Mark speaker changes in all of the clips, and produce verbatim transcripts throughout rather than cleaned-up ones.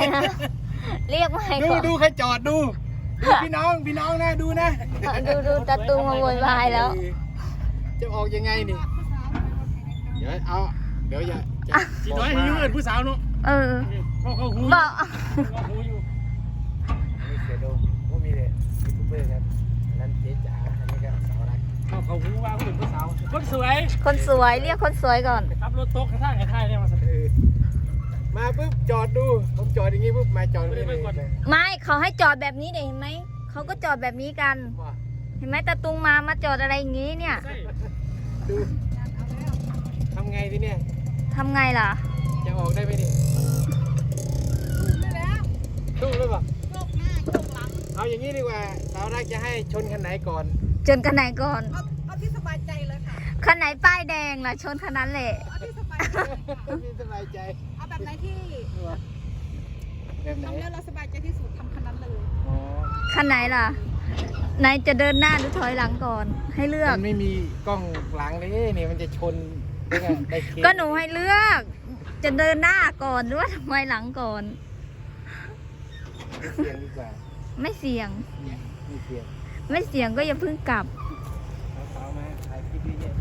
Speaker 1: นะเรียกไม่
Speaker 2: ดู
Speaker 1: ก่อน
Speaker 2: ดูใครจอดดูดูพี่น้องพี่น้องนะดูนะ
Speaker 1: ดูดูตาตุงมาโวยวายแล้ว
Speaker 2: จะออกยังไงนี่เดี๋ยวเอาเดี๋ยวอย่าจะ
Speaker 3: สีน้อยให้ยืนผู้สาวเนาะ
Speaker 1: เออ
Speaker 3: เขาเขาหู
Speaker 1: บอก
Speaker 3: เขาหูอยู่
Speaker 2: นี่เสียดมผู้มีเลยยูทูบเบอร์ครับอันนั้นเจ๊จ๋าอันนี้ก็สาวรัก
Speaker 3: เขาเขาหูว่าเขาเป็นผู้สาวคนสวย
Speaker 1: คนสวยเรียกคนสวยก่อน
Speaker 3: ขับรถตกกระทางกระทายเนี่ยมาสัก
Speaker 2: เออมาปุ๊บจอดดูผมจอดอย่างงี้ปุ๊บมาจอดนี่เลย
Speaker 1: ไม่เขาให้จอดแบบนี้เด็เห็นไหมเขาก็จอดแบบนี้กัน
Speaker 2: ว่า
Speaker 1: เห็นไหมตาตุงมามาจอดอะไรอย่างงี้เนี่ย
Speaker 3: ใช่
Speaker 2: ดูทำไงทีเนี่ย
Speaker 1: ทำไงล่ะ
Speaker 2: จะออกได้ไหมนี่ตู้เลยป่ะเอาอย่างนี้ดีกว่าสาวรักจะให้ชนคันไหนก่อน
Speaker 1: จนกันไหนก่อน
Speaker 4: เอาเอาที่สบายใจเลยค่ะ
Speaker 1: คันไหนป้ายแดงล่ะชนคันนั้นแหละ
Speaker 4: เอาที่สบายใจ
Speaker 2: พี่สบายใจ
Speaker 4: เอาแบบไหนที่
Speaker 2: แบบไหน
Speaker 4: ทำแล้วเราสบายใจที่สุดทำคันนั้นเลย
Speaker 2: อ๋อ
Speaker 1: คันไหนล่ะไหนจะเดินหน้าหรือถอยหลังก่อน ให้เลือก
Speaker 2: มันไม่มีกล้องหลังเลยนี่มันจะชนได้ไงได้เคส
Speaker 1: ก็หนูให้เลือก จะเดินหน้าก่อนหรือว่าถอยหลังก่อน
Speaker 2: เสียงดีกว่า
Speaker 1: ไม่เสี่ยง
Speaker 2: ไม่เสียง
Speaker 1: ไม่เสี่ยงก็อย่าเพิ่งกลับ
Speaker 2: สาวๆมาถ่ายคลิปเยอะ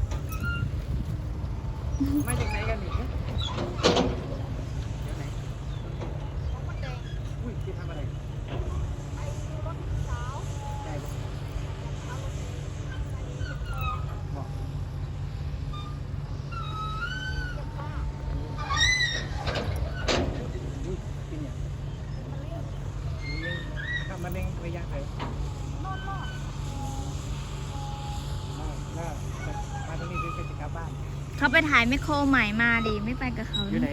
Speaker 2: ๆมาจากไหนกันนี่จากไหนอุ้ยที่ทำอะไรได้ปะบอกอุ้ยเป็นยังทำมันเองระยะไหนมามามาตรงนี้คือจะกลับบ้าน
Speaker 1: เขาไปถ่ายไมโครใหม่มาดิไม่ไปกับเขา
Speaker 2: อยู่ไหน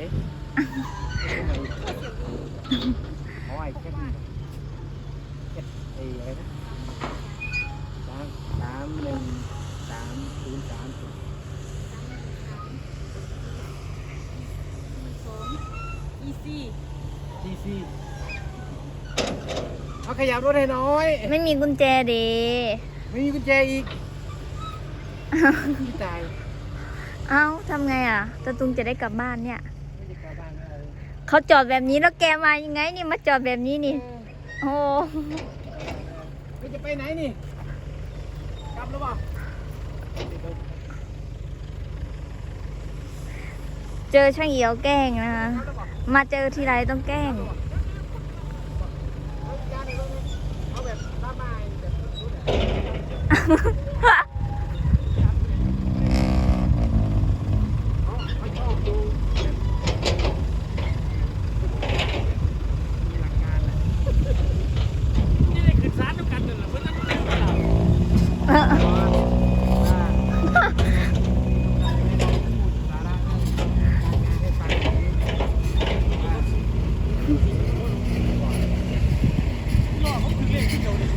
Speaker 2: อ๋อไอ้แค่นี้ไอ้อะไรนะสามสามหนึ่งสามศูนย์สามศูนย์
Speaker 4: อีซี่
Speaker 2: ทีซีเอาขยับรถให้น้อย
Speaker 1: ไม่มีกุญแจดี
Speaker 2: ไม่มีกุญแจอีกพี่ตาย
Speaker 1: เอ้าทำไงอ่ะตาตุงจะได้กลับบ้านเนี่ย
Speaker 2: ไม่ได้กลับบ้านแล้ว
Speaker 1: เขาจอดแบบนี้แล้วแกมายังไงนี่มาจอดแบบนี้นี่ โอ้
Speaker 2: ไม่จะไปไหนนี่กลับแล้วเปล่า
Speaker 1: เจอช่างเหี่ยวแกล้งนะคะ มาเจอทีไรต้องแกล้ง
Speaker 2: เอาแบบบ้าๆแบบรุ่นเขาชอบดูมีหลักการแหละ
Speaker 3: นี่ได้ขึ้นศาลด้วยกันเลยเหรอเพื่อนนั่งเล่นกันเรา
Speaker 1: เออ
Speaker 3: ล่อเขาคือเล่นที่เดียวเลย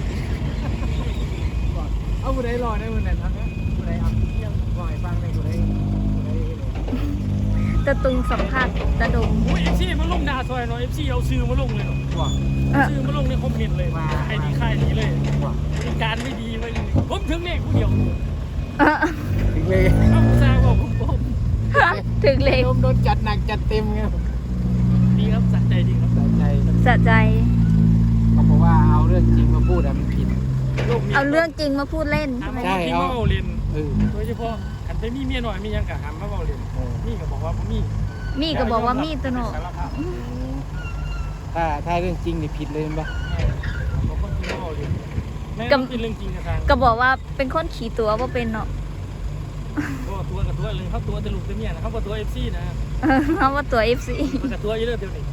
Speaker 2: เอาผู้ใดรอได้ผู้ใดทำได้ผู้ใดเอาเที่ยงบ่อยฟังได้ผู้ใดผู้ใด
Speaker 1: ตาตุงสัมภาษณ์ตาดง
Speaker 3: โอ้ยเอฟซีมาลงดาซอยเนาะเอฟซีเอาซื้อมาลงเลยเนาะ
Speaker 2: ว่า
Speaker 1: เออ
Speaker 3: ซื้อมาลงในคอมเมนต์เลยใครดีใครดีเลย
Speaker 2: ว่า
Speaker 3: บริการไม่ดีเลยผมถึงเลขผู้เดียว
Speaker 1: เออ
Speaker 2: ถึงเลย
Speaker 3: เอาซาบอกผมผม
Speaker 1: ถึงเลย
Speaker 2: โดนโดนจัดหนักจัดเต็มไง
Speaker 3: ดีครับสัใจดีครับ
Speaker 2: สะใจ
Speaker 1: สะใจ
Speaker 2: เขาบอกว่าเอาเรื่องจริงมาพูดอะมันผิด
Speaker 3: โลกนี้
Speaker 1: เอาเรื่องจริงมาพูดเล่น
Speaker 3: ทำ
Speaker 1: ใช่ไหม
Speaker 3: ให้กินมาเบาเล่น
Speaker 2: เออ
Speaker 3: โดยเฉพาะขันไปมีเมียหน่อยมียังกะหำมาเบาเล่น
Speaker 2: เออ
Speaker 3: นี่ก็บอกว่าผมมี
Speaker 1: มีก็บอกว่ามีตัวโน
Speaker 3: สารภาพ
Speaker 2: ถ้าถ้าเรื่องจริงนี่ผิดเลยปะ
Speaker 3: ผมก็กินมาเบาเล่นแม่ต้องเป็นเรื่องจริงกับทาง
Speaker 1: ก็บอกว่าเป็นคนขี่ตัวว่าเป็นเนาะ
Speaker 3: ก็ตัวกับตัวเลยเขาตัวแต่ลูกแต่เมียนะเขาก็ตัวเอฟซีนะ
Speaker 1: เออเขาว่าตัว เอฟ ซี
Speaker 3: มันกับตัวเยอะเดียวนี่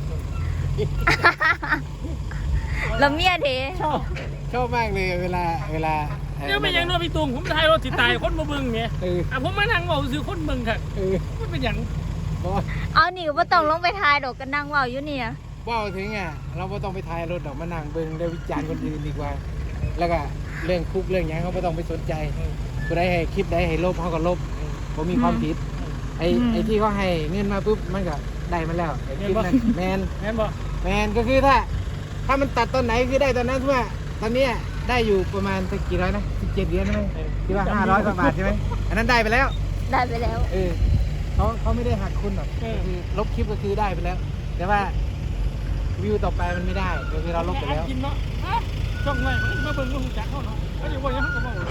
Speaker 1: แล้วเมียเท
Speaker 2: ชอบชอบมากเลยเวลาเวลา
Speaker 3: เดี๋ยวไม่ยังนอนพี่ตุงผมถ่ายรถติดตายคนมาเบิ่งไง
Speaker 2: เออ
Speaker 3: อ่ะผมมานั่งบอกซื้อคนเบิ่งค่ะ
Speaker 2: เออ
Speaker 3: มันเป็นอย่าง
Speaker 2: บอก
Speaker 1: เอาหนิว่าต้องลงไปทายดอกกันนั่งเว่าอยู่เนี่ย
Speaker 2: ว่าถึงอ่ะเราไม่ต้องไปถ่ายรถดอกมานั่งเบิ่งได้วิจารณ์คนอื่นดีกว่า แล้วก็เรื่องคุกเรื่องหยังเขาไม่ต้องไปสนใจกูได้ให้คลิปได้ให้ลบเขาก็ลบผมมีความผิดไอ้ไอ้ที่เขาให้เงินมาปุ๊บมันก็ได้มาแล้วไอ้คลิปนั้นแมน
Speaker 3: แม่นบอก
Speaker 2: แมนก็คือถ้า ถ้ามันตัดตอนไหนคือได้ตอนนั้นทั่วตอนเนี้ยได้อยู่ประมาณสักกี่ร้อยนะสิบเจ็ดเหรียญใช่ไหมที่ว่าห้าร้อยกว่าบาทใช่ไหมอันนั้นได้ไปแล้ว
Speaker 1: ได้ไปแล้ว
Speaker 2: เออเขาเขาไม่ได้หักคุณหรอกก็คือลบคลิปก็คือได้ไปแล้ว แต่ว่าวิวต่อไปมันไม่ได้ก็คือเราลบไปแล้ว
Speaker 3: กินเนาะฮะช่องไหนมันมาเบิ่งมันจักเขาเนาะเขาจะว่าอย่างเขาก็บอก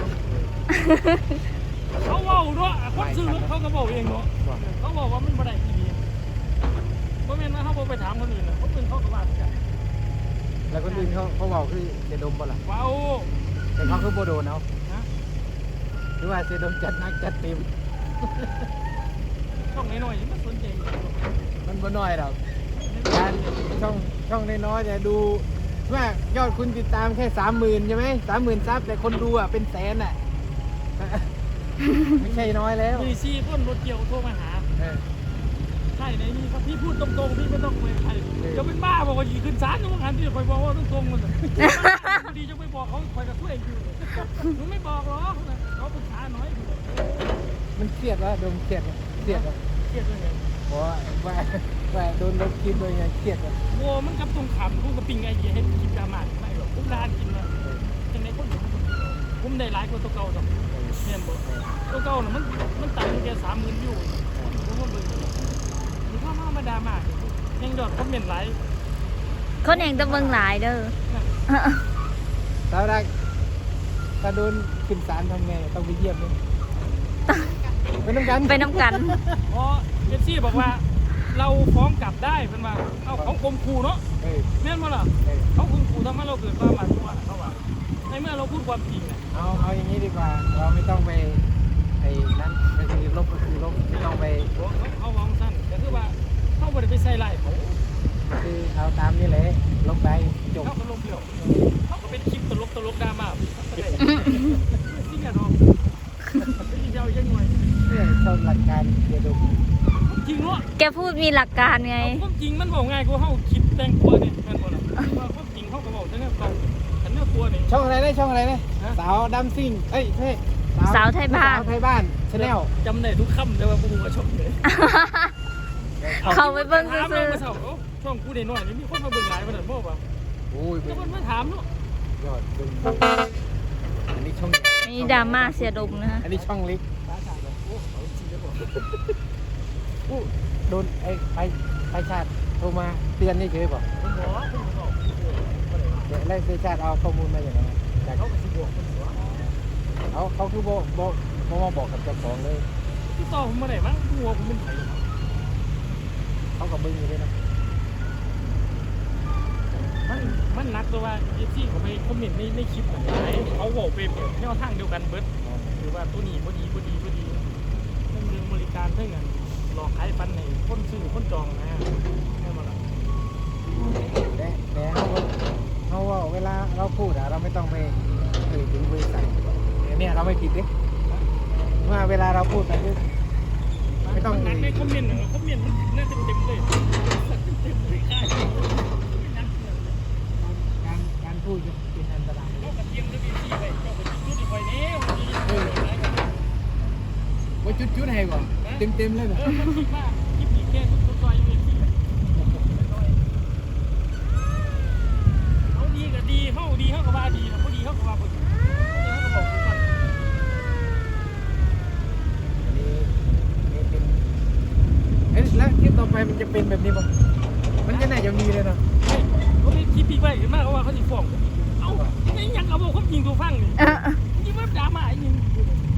Speaker 3: เขาเว้าเนาะคนซื้อเขาก็บอกเองเนาะเขาบอกว่ามันบ่ได้ที่นี่บ่แม่นว่าเขาบ่ไปถามคนอื่นนะคนอื่นเขาก็ว่ากัน
Speaker 2: แล้วคนอื่นเขาเขาบอกคือเสดมบ่ล่ะ
Speaker 3: ว้าว
Speaker 2: แต่เขาคือโบโดนเอา
Speaker 3: นะ
Speaker 2: หรือว่าเสดมจัดหนักจัดเต็ม
Speaker 3: ช่องน้อยๆมันสนใจ
Speaker 2: มันบ่น้อยหรอกการช่องช่องน้อยๆแต่ดูว่ายอดคุณติดตามแค่สามหมื่นใช่ไหมสามหมื่นซับแต่คนดูอ่ะเป็นแสนอ่ะ ไม่ใช่น้อยแล้ว
Speaker 3: มีซี่ต้นรถเกี่ยวโทรมาหา
Speaker 2: เออ
Speaker 3: ใช่ในนี้ครับพี่พูดตรงๆพี่ไม่ต้องไปใครจะเป็นบ้าบอกว่าอยู่ขึ้นศาลนะมึงหันที่คอยบอกว่าตรงๆมันดีจะไปบอกเขาคอยกับช่วยอยู่มึงไม่บอกหรอกเขาปรึกษาหน่อย
Speaker 2: มันเครียดวะโดนเครียดวะเครียดวะ
Speaker 3: เครียดเลยไง
Speaker 2: เพราะว่าว่าว่าโดนลบคลิปเลยไงเครียดวะ
Speaker 3: โว้มันกับตรงขำกูกับปิงไอเดียให้กินดราม่าไม่หรอกผมด้านกินเลยยังไงคนผมได้หลายคนตัวเก่าดอกเนี่ยบอกตัวเก่าน่ะมันมันต่ำแค่สามหมื่นยูผมว่าเบิ่งมันเข้ามามาดราม่ายังดอกคอมเมนต์หลาย
Speaker 1: คนเองต้องเบิ่งหลายเด้อ
Speaker 2: สาวรักถ้าโดนขึ้นศาลทำไงต้องไปเยี่ยมเลยไปน้ำกัน
Speaker 1: ไปน้ำกัน
Speaker 3: เพราะเอฟซีบอกว่าเราฟ้องกลับได้เป็นว่าเอาเขาข่มขู่เนาะ
Speaker 2: เออ
Speaker 3: แม่นมั้ล่ะ
Speaker 2: เออ
Speaker 3: เขาข่มขู่ทำให้เราเกิดความหวาดกลัวเขาว่าในเมื่อเราพูดความจริงเนี่ย
Speaker 2: เอาเอาอย่างนี้ดีกว่า เราไม่ต้องไปไอ้นั่นก็คือลบก็คือลบไม่ต้องไป
Speaker 3: เขาเขาวางสั้นแต่คือว่าเขาไม่ได้ไปใส่ไล่เขา
Speaker 2: คือเอาตามนี่แหละลบไปจบ
Speaker 3: เขาก็ลงเดียวเขาก็เป็นคลิปตลกตลกดราม่าที่อย่าดองที่เจ้ายังไง
Speaker 2: เพื่อชอบหลักการเดียวดู
Speaker 3: จริงเนาะ
Speaker 1: แกพูดมีหลักการไง
Speaker 3: ความจริงมันบอกง่ายกว่าเขาคิดแต่งตัวเนี่ยแม่นบ่ล่ะว่าความจริงเขาก็บอกแต่เนี่ยตรงแต่เนี่ยตัวนี่
Speaker 2: ช่องอะไรนะช่องอะไรนะ
Speaker 3: ฮะ
Speaker 2: สาวดัมซิ่งเอ้ยเฮ้ย
Speaker 1: สาวไทยบ้าน
Speaker 2: สาวไทยบ้านชาแนล
Speaker 3: จำได้ทุกคำแต่ว่ากูว่าชอบเลย
Speaker 1: เขาไปเบิ่ง
Speaker 3: ถาม
Speaker 1: ซื่อ
Speaker 3: มาเสาร์ช่องกูได้น้อยนี่มีคนมาเบิ่งหลายขนาดบ่ป่ะ
Speaker 2: โอ้ย
Speaker 3: แล้วมันมาถามเนาะ
Speaker 2: ยอดดูอันนี้ช่อง
Speaker 1: ๆมีดราม่าเสียดมนะฮะ
Speaker 2: อันนี้ช่องเล็ก
Speaker 3: ตาชาแบบโอ้เขาจริงแล้วบ่
Speaker 2: อู้โดนไอ้ไปไปชาติโทรมาเตือนนี่เฉยๆป่ะ
Speaker 3: ผมบอกผมบอก
Speaker 2: เดี๋ยวแล้วไปชาติเอาข้อมูลมาอย่างไรจาก
Speaker 3: เขาก็สิบอกผมว่า
Speaker 2: เขาเขาคือบอกบอกบอกมาบอกกับเจ้าของเลย
Speaker 3: ที่ต่อผมมาได้มั้งหัวผมเป็นไผ
Speaker 2: เขากับมึงอยู่ด้วยนะ
Speaker 3: มันมันนักตัวว่าเอฟซีเขาไปคอมเมนต์ในในคลิปอะไรเขาบอกไปแนวทางเดียวกันเบิดหรือว่าตัวนี้บ่ดีบ่ดีบ่ดีเรื่องเรื่องบริการเรื่องเงินหลอกขายฟันให้คนซื้อคนจองนะแม่นบ่ล่ะ
Speaker 2: แต่แต่เขาก็เขาว่าเวลาเราพูดอะเราไม่ต้องไปเอ่ยถึงบริษัทเนี่ยเราไม่ผิดเด้ว่าเวลาเราพูดไปคือไม่ต้อง
Speaker 3: นั
Speaker 2: เอ่
Speaker 3: ก
Speaker 2: ย
Speaker 3: ในคอมเมนต์คอมเมนต์มันน่าจะเต็มเลยเต็มเลยค่าย
Speaker 2: การการพูดเป็นอันตราย
Speaker 3: เขากระเทียมด้วยดีไปเขาไปจุดที่ไฟนี้วันนี้
Speaker 2: ว่าจุดจุดให้ก่อนเต็มเต็มเลยแบบ
Speaker 3: เออมันคิดว่าคลิปนี้แค่ทุกๆซอยอยู่เองที่เขาดีก็ดีเขาดีเขาก็ว่าดีนะเขาดีเขาก็ว่าเขาดีเขาก็บอกทุกคน
Speaker 2: อันนี้นี่เป็นเอ๊ะแล้วคลิปต่อไปมันจะเป็นแบบนี้ป่ะมันจะน่าจะมีเลยเนาะ
Speaker 3: เขาไม่คิดปีกไว้ขึ้นมาเขาว่าเขาจะฟ้องเอ้าไอ้ยังเอาบอกความจริงตัวฟังนี่
Speaker 1: เออ
Speaker 3: ยิ่งว่าดราม่าอีกนึง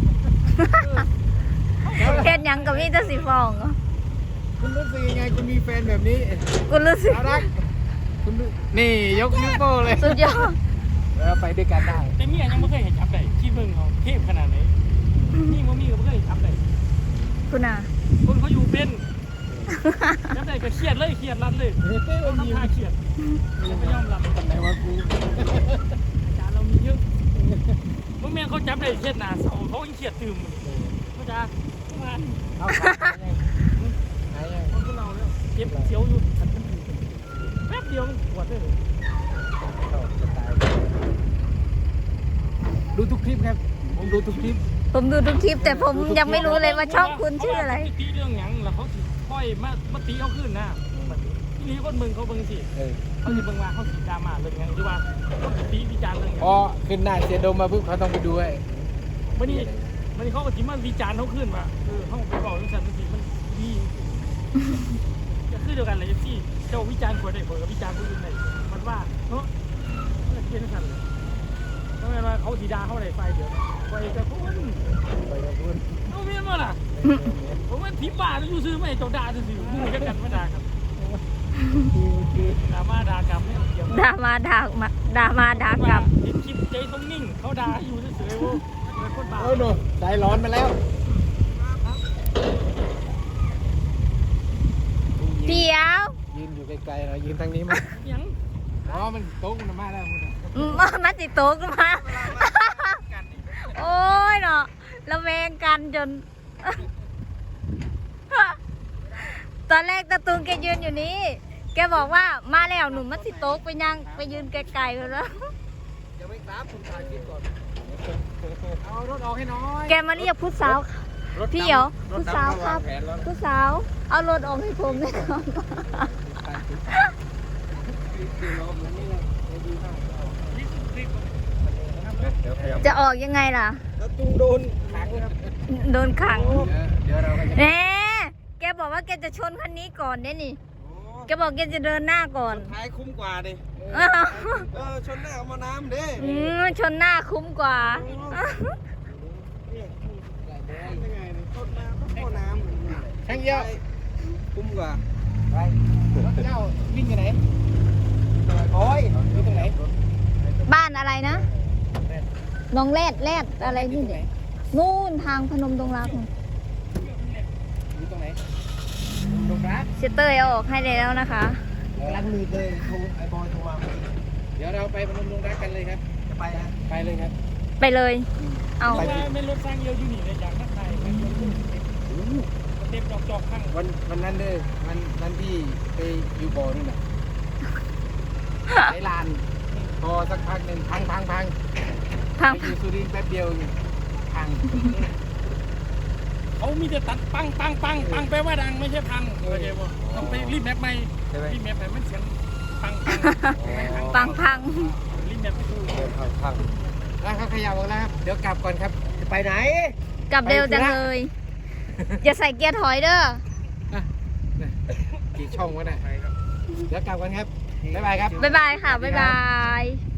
Speaker 1: เฮ็ดหยังกับมีแต่สิฟ้องเหรอ
Speaker 2: คุณรู้สึกยังไงคุณมีแฟนแบบนี้
Speaker 1: กูรู้สึก
Speaker 2: เอารักคุณรู้นี่ยกนิ้วโป้เลย
Speaker 1: สุดยอด
Speaker 2: เราไปด้วยกันได้
Speaker 3: แต่เมียยังไม่เคยเห็นจับได้ที่เมืองเขาเทพขนาดไหนนี่มันมีก็ไม่เคยจับได้
Speaker 1: คุณน่ะ
Speaker 3: คนเขาอยู่เป็นจับได้ก็เครียดเลยเครียดรันเลย
Speaker 2: เฮ้ยเต้
Speaker 3: เขา
Speaker 2: มันมี
Speaker 3: ทำท่าเครียดไม่ยอมรับ
Speaker 2: ไหนว่ากู
Speaker 3: จานเรามีเยอะเมื่อแม่เขาจับได้เครียดหนาเสาเขาเครียดตื่มเขาจะงาน
Speaker 2: เอาหายยัง
Speaker 3: คนพวกเราเนี่ยเจ็บเสียวอยู่แป๊บเดียวมันปวดเลย
Speaker 2: ชอบสไตล์ดูทุกคลิปครับผมดูทุกคลิป
Speaker 1: ผมดูทุกคลิปแต่ผมยังไม่รู้เลยว่าช่องคุณชื่ออะไร
Speaker 3: ตีเรื่องหยังแล้วเขาสิค่อยมามาตีเขาขึ้นนะที่นี่คนเมืองเขาเบิ่งสิ
Speaker 2: เออ
Speaker 3: เขาสิเบิ่งว่าเขาสีดราม่าเรื่องหยังหรือว่าเขาสิตีวิจารณ์เรื่องหยัง
Speaker 2: พอขึ้นหน้าเสียดมมาปุ๊บเขาต้องไปดูไอ้
Speaker 3: วันนี้วันนี้เขาก็สิมาวิจารณ์เขาขึ้นว่าเออเขาไปบอกเรื่องสันติมันดีจะคือเดียวกันเลยที่เจ้าวิจารณ์คนใดคนกับวิจารณ์คนอื่นใดว่าเนาะเกินกันเลยทำไมว่าเขาสีดาเขาอะไรไฟเดี๋ยวไฟกระพุ้น
Speaker 2: ไปกับคุณ
Speaker 3: เอาเมียนมาล่ะผมว่าผีบ้าต้องอยู่ซื้อไม่ตกด่าซื่อๆมึงกันกันไม่ด่าครับด่ามาด่ากลับไม่เกี่ยว
Speaker 1: ด่ามาด่ามาด่ามาด่ากลับ
Speaker 3: เห็นคลิปใจต้องนิ่งเขาด่าอยู่เฉยๆว่าเป็นคนบ้า
Speaker 2: เออหนูใจร้อนมาแล้ว
Speaker 1: เดี๋ยว
Speaker 2: ยืนอยู่ไกลๆหน่อยยืนทางนี้มั้ย
Speaker 3: ยัง
Speaker 2: อ๋อมันโต๊ะมันมาแล้ว
Speaker 1: อืมมาติโต๊ะกันมา โอ้ยเนาะระแวงกันจน ตอนแรกตะตุงแกยืนอยู่นี้ แกบอกว่ามาแล้วหนุ่มมัดสิโต๊ะไปยังไปยืนไกลๆไปแล้ว
Speaker 2: อย่าไปกราบคุณถ่ายคลิปก่อนเอารถออกให้น้อย
Speaker 1: แกมาเรียกผู้สาว พี่เหียวผู้สาวครับ ผู้สาว เอารถออกให้ผมเลยครับ จะออกยังไงล่ะ
Speaker 2: แล้วตุ้งโดนขังครับ
Speaker 1: โดนขัง
Speaker 2: เดี๋ยวเราก็จะ
Speaker 1: แหน่แกบอกว่าแกจะชนคันนี้ก่อนเนี่ยนี่ แกบอกแกจะเดินหน้าก่อน
Speaker 5: ท้ายคุ้มกว่าดิ
Speaker 1: อ้าว
Speaker 5: เออ ชนหน้าเอามาน้ำดิ
Speaker 1: อืมชนหน้าคุ้มกว่า
Speaker 5: เนี่ยยังไงเนี่ยชนน้ำต้องเข้าน้ำ
Speaker 2: ช่างเยี่ยว
Speaker 5: คุ้มกว่า
Speaker 2: ไปรถเจ้าวิ่งอยู่ไหนโอ้ยอยู่ตรงไหน
Speaker 1: บ้านอะไรนะน้องแรดแรดอะไรนี่เด็กนู่นทางพนมดงรัก
Speaker 2: อยู่ตรงไหนตรงรัก
Speaker 1: เชเตอร์เอาออกให้แล้วนะคะ
Speaker 5: กำลังมือเลยโทรไอ้บอยโทรมาเมื่อกี้
Speaker 2: เดี๋ยวเราไปพนมดงรักกันเลยครับ
Speaker 5: จะไปนะ
Speaker 2: ไปเลยครับ
Speaker 1: ไปเลย เอา
Speaker 3: ว่าไม่รถสร้างเยอะอยู่นี่เลยอย่างนั้นใครเต็มจอกจอกข้าง
Speaker 2: วันวันนั้นเด้อวันวันที่ไปอยู่บ่อนี่น่ะไอ้ลานพอสักพักหนึ่งพังพังพัง
Speaker 1: พัง
Speaker 2: ไปอยู่สุรินทร์แป๊บเดียวพัง
Speaker 3: เขามีแต่ตัดปังปังปังปังแปลว่าดังไม่ใช่พังโอเคป่ะต้องไปรีบแมปใหม่
Speaker 2: ใช่ไหม
Speaker 3: รีบแมปใหม่มันเสียงปังปัง
Speaker 1: ปังพัง
Speaker 3: รีบแมปไปดู
Speaker 2: พังพังแล้วเขาขยับออกแล้วครับเดี๋ยวกลับก่อนครับ
Speaker 5: จะไปไหน
Speaker 1: กลับเร็วจังเลย อย่าใส่เกียร์ถอยเด้อ
Speaker 2: อ่ะกี่ช่องวะเนี่ยเดี๋ยวกลับกันครับบ๊ายบายครับ
Speaker 1: บ๊ายบายค่ะ บ๊ายบาย